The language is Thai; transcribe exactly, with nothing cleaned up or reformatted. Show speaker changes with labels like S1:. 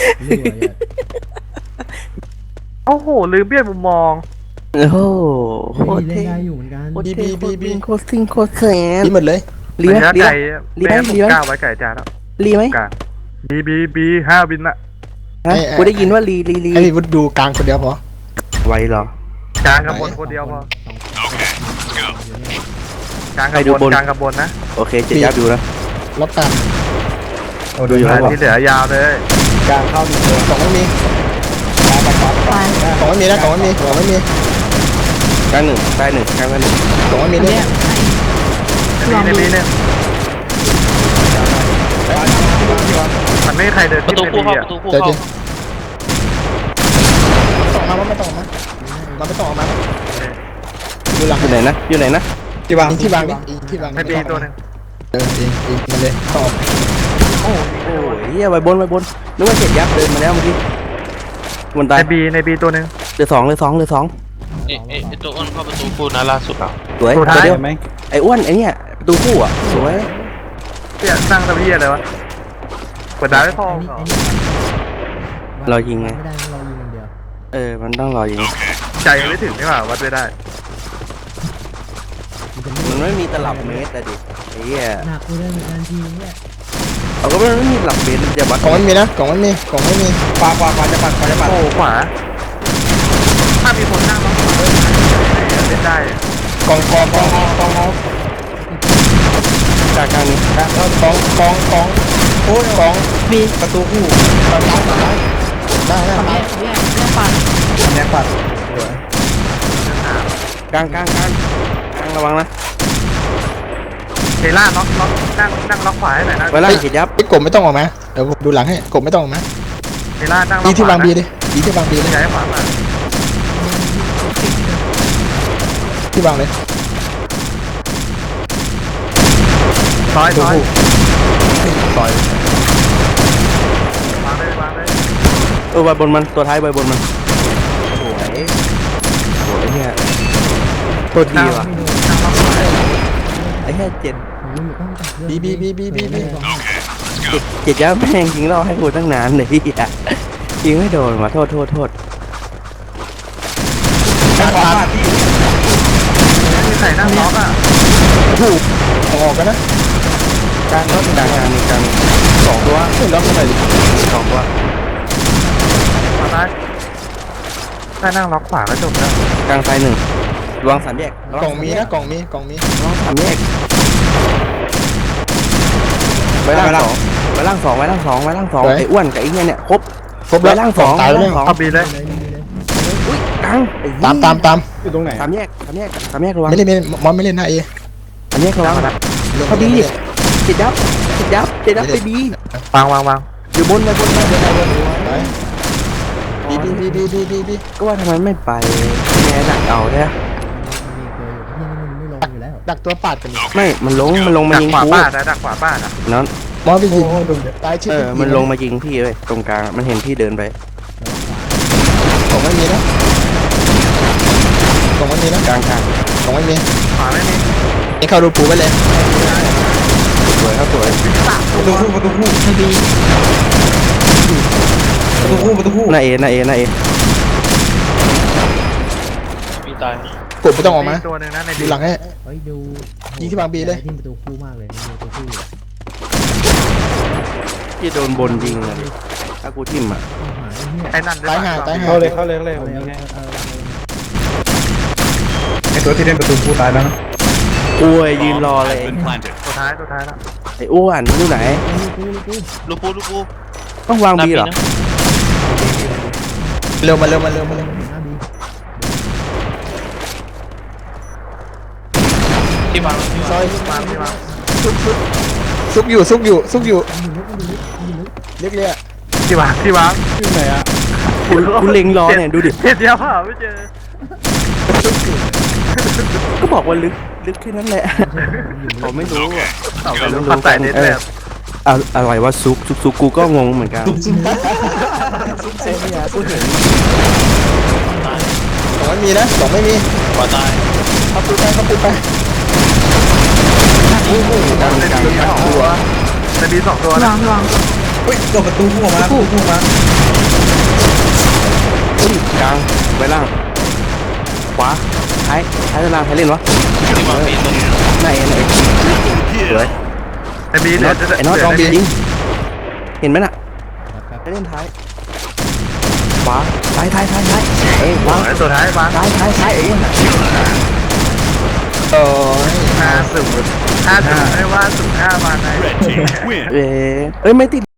S1: ไม่ดูอ่ะ
S2: โอ้โหลืมเปลี่ยนมุมมอง
S3: โอ้โหโค
S1: เฮ้ย
S3: ตร
S1: เล่น
S3: เท่
S1: ได้อยู่เหมือนกัน
S3: โคตรเท่โคตรวิ่งโคตรซิ่งโคตรแสน
S4: ดีหมดเลย
S3: รีไหม
S2: ระยะ
S3: รีไหม
S2: ไก่
S3: รีไหม
S2: แม่ผม
S3: รีไหม
S2: ก้าวไว้ไก่จานแล้ว
S3: รีไหม
S2: กลางบีบีบีห้าบินอะ
S3: ฮะกูได้ยินว่ารีรีรี
S4: ให้พี่วุฒิดูกลางคนเดียวพอ
S3: ไวเหรอก
S2: ลางกับบนคนเดียวพอ
S1: สองอยู่เนี่ย
S2: กลางกับบนกลางกับบนนะ
S3: โอเคเจ็ดยับดูนะ
S4: ล็อกกลาง
S3: ดูอยู่ครับ
S2: ที่เหลือยาวเลย
S4: กลางเข้าดีตัวสองไม่มีสองไม่มีนะสองไม่มีสองไม่มี
S3: กลางหนึ่งใต้หนึ่งกลางหนึ่ง
S4: สองไม่มีเนี่ย
S2: ในบีในบีเนี่ยมันไม่มีใครเดิน
S5: ประ
S2: ที่
S5: ตู
S2: ใน
S5: คู่
S2: บี
S5: เข้า
S2: อะ
S5: ประตูคู่
S4: เดี๋ยว
S5: เข้า
S4: จริงต่อมาไม่ต้องมามาไม่ต้องออกมาดูหลัง
S3: อยู่ไหนนะอยู่ไหนนะ
S4: ที่วางที่วางที่วาง
S2: ในบีตัวหนึ่ง
S4: เออเองเองมาเลยต่อ
S2: โอ้โห
S3: โอ้ยเฮียไวบนไวบนนึกว่าเจ็ดยับเดินมาแล้วเมื่อกี้บนตา
S2: ใน
S3: ย
S2: บีในบีตัวหนึ่ง
S3: เหลือสองเหลือสองเหลือสอง
S5: เอ๊ะเอ๊ะตัวอ้นเข้าประตูคู่นะล่าสุดอ่ะ
S3: สวย
S2: ตัวท้าย
S3: เดียวไอ้อ้วนไอ้เนี่ยประตูคู่อ่ะสวย
S2: เนี่ยสร้างตะเบียอะไรวะเปิดดาวไม่พอ
S1: ไอ้นี่
S2: เหรอ
S1: ไอ้นี่
S3: เรายิงไง
S1: ไม่ได้เรายิงอย่างเดียว
S3: เออมันต้องรอยิง
S2: ใจยังไม่ถึงนี่หว่าวัดไม่ได้
S1: มันจะไม่
S3: มันไม่มีตลับเมตรอะดิไอ้เหี้ย
S1: หนักกูได้เหมือนกันทีเนี่ย
S3: เอาก็มันไม่มีตลับเมตรมันจะวัด
S4: กล่องไม่มีนะกล่องไม่มีกล่องไม่มีขวาขวาขวาจะปัดขวาจะปัด
S2: โอ้ขวาถ้ามีคนนั่งต้องขวาเล่นได้
S4: กล่องกล่องกล่องกล่องกล่อง
S3: กลางกลางนี้
S4: กล่องกล่องกล่องกล่องโอ้ยกล่องมีประตูคู่ซ้ายซ้ายได้ได้ได้แยกปัด
S3: กลางกลางกลางกลางระวังนะ
S2: เทล่าล็อกล็อกนั่งนั่งล็อกขวาให้หน่อยนะ
S3: ไว้ล่างเจ็ดยับ
S4: ไอ้กบไม่ต้องออกมาเดี๋ยวดูหลังให้กบไม่ต้องออกมา
S2: เทล่านั่งล็
S4: ดี
S2: อกข
S4: ที่
S2: วาว
S4: างบีดิดีที่วางบีเลย
S2: ย้ายขวามา
S4: ที่วางเลย
S2: ซอยซอย
S4: ต่อยว
S2: างเลยวางเลย
S3: เออใบบนมันตัวท้ายใบบนมันสวยสวยเนี่ยโคตรดีว่ะ
S2: นั่งล็อกขวา
S3: ไอ้แค่เจ็ด
S1: ผมรู้อยู่ต้องจับเลือด
S4: บีบีบีบีบีบี
S3: เจ็ดเจ็ดยับแม่งยิงเราให้กูตั้งนานเลยพี่อะยิงไม่โดนว่ะโทษโทษโทษ
S4: ข้างขวา
S2: ไม่มีใครนั่งล็อกอ่ะ
S4: ถูกออกกันนะ
S3: กลางก็กลางกลางกลางสองตัว
S4: ขึ้นล็อกกันหน่อยดิ
S3: สองตัว
S2: มาได้ถ้านั่งล็อกขวาก็จบแล้ว
S3: กลางซ้ายหนึ่งระวังสามแยกระวั
S4: กล่องมีนะกล่องมีกล่องมี
S3: ระวังสามแยกไว้ล่างสองไว้ล่างสองไว้ล่างสองไว้ล่างสองไอ้อ้วนกับไอ้เนี่ยเนี่ยครบ
S4: ครบแล้ว
S3: ไว้ล่างสอง
S4: ตายแล้ว
S3: ไว้
S4: เนี่ย
S3: ล่างสอง
S2: เอาบีเลย
S1: เลยเลยเลย
S3: อุ้ยกลางไอ้เหี้ย
S4: ตามตามตาม
S1: อยู่ตรงไหน
S3: สามแยกสามแยกสามแยกระวัง
S4: ไม่เล่นไม่เล่นมอนไม่เล่นนะเอ
S3: สามแยกระวัง เขาดี จิตยับจิตยับจิตยับไปบี
S2: วางวางวาง
S3: อยู่บนไปบนไปบนไปบน
S4: บีบีบีบีบีบีบี
S3: ก็ว่าทำไมไม่ไปแง่หนักเอาเนี่ย
S1: มีตัวอยู่ที่นี่มันไม่ลงอยู่แล้ว
S4: ดักตัวปาดกัน
S3: ไม่มันลงมันลงมา
S2: ดัก
S3: ยิง
S2: ขวา
S3: กู
S2: บ้านนะดักขวาบ้านอ่ะ
S3: นั้น
S4: มอนไปยิงตายชื่
S3: เออมันลงมายิงพี่เลยตรงกลางมันเห็นพี่เดินไป
S4: กล่องไม่มีนะกล่องไม่มีนะ
S3: กลางกลาง
S4: กล่องไม่มี
S2: ขวาไม่มี
S4: นี่เข้ารูปูไปเลย
S3: สวยครับสวย
S4: ประตูคู่ประตูคู่ประตูคู่ประตูคู่
S3: หน้าเอหน้าเอหน้าเอ
S5: มีตาย
S4: กดไม่ต้องออกมา
S2: ตัวหนึ่งนะใน
S4: ดู
S2: บี
S4: หลังให้
S1: เฮ้ยดู
S4: ยิงที่บางบีเลย
S1: ที่ประตูคู่มากเลยมีประตูคู่อยู่
S3: พี่โดนบนยิงเลยถ้ากูทิ่มอ่ะ
S1: เอาหายไอ้เนี่ย
S2: ไอ้นั่น
S4: ตายห่าตายห่า
S6: เข้าเลยเข้าเลยเข้าเลย
S1: เอา
S6: ผม
S1: เลย
S6: ยิง
S1: เอา
S6: ให้
S1: เลยเอาเลย
S6: ไอตัวที่เล่นประตูผู้ตายแล้วนะ
S3: อ้วยยืนรอเลย
S2: ตัวท้ายตัวท้ายแล้ว
S3: ไอ้อ้วนอยู่ไหน
S1: กูกู
S5: ลูกปูลูกปู
S3: ต้องวางบีเหรอ
S4: เร็วมาเร็วมาเร็วมาเร็ว
S1: หน้าบี
S5: ที่วางที่
S4: ซ
S5: วา
S4: อง ย
S2: วางที่วาง
S4: ซุกซุกซุกอยู่ซุกอยู่ซุกอยู่
S1: มันอยู่ลึกมันอยู่ลึกมันอยู่ลึก
S4: เรียกเรียก
S2: ที่วางที่วาง
S6: อยู่ไหนอะ
S3: กูกูเล็งรอเนี่ยดูดิ
S2: เห็นเดียวเปล่าไม่เจอ
S3: ก็บอกว่าลึกลึกแค่นั้นแหละผมไม่รู้อ่ะ
S2: เอาไปรู้ปัดใส่เน็ตแบบ
S3: อะอะไรวะซุกซุกซุกกูก็งงเหมือนกัน
S4: ซุกเซฟเนี่ยพูดถึงกล่องไม่มีนะกล่องไม่มี
S5: ขวาตาย
S4: เข้าปูไปเข้าปูไป
S3: กลาง
S2: ใน
S3: กลาง
S2: บีสองตัวในบีสองตัวนะ
S6: เฮ้ยตัวประตูคู่ออกมาประตูคู่ออกมา
S3: กลางไว้ล่างขวาท้ายท้ายตารางใครเล่นวะ
S5: ที่วางมีดตัว
S3: ไหนไหนสวย
S2: ไอ้บี
S3: ไอ้น็อตไอ้น็อตลองบียิงเห็นไหมน่ะ
S1: ครับ
S3: ไปเล่นท้ายขวาท้ายท้ายท้ายท้ายเอ้ยวาง
S2: ไอ้ตัวท้ายมา
S3: ท้ายท้ายท้ายเอ้ย
S4: โอ้ย
S2: ห้าศูนย์ห้าศูนย์ไม่ว่าศูนย์ห้ามาไง
S3: เอ้ยเอ้ยไม่ติด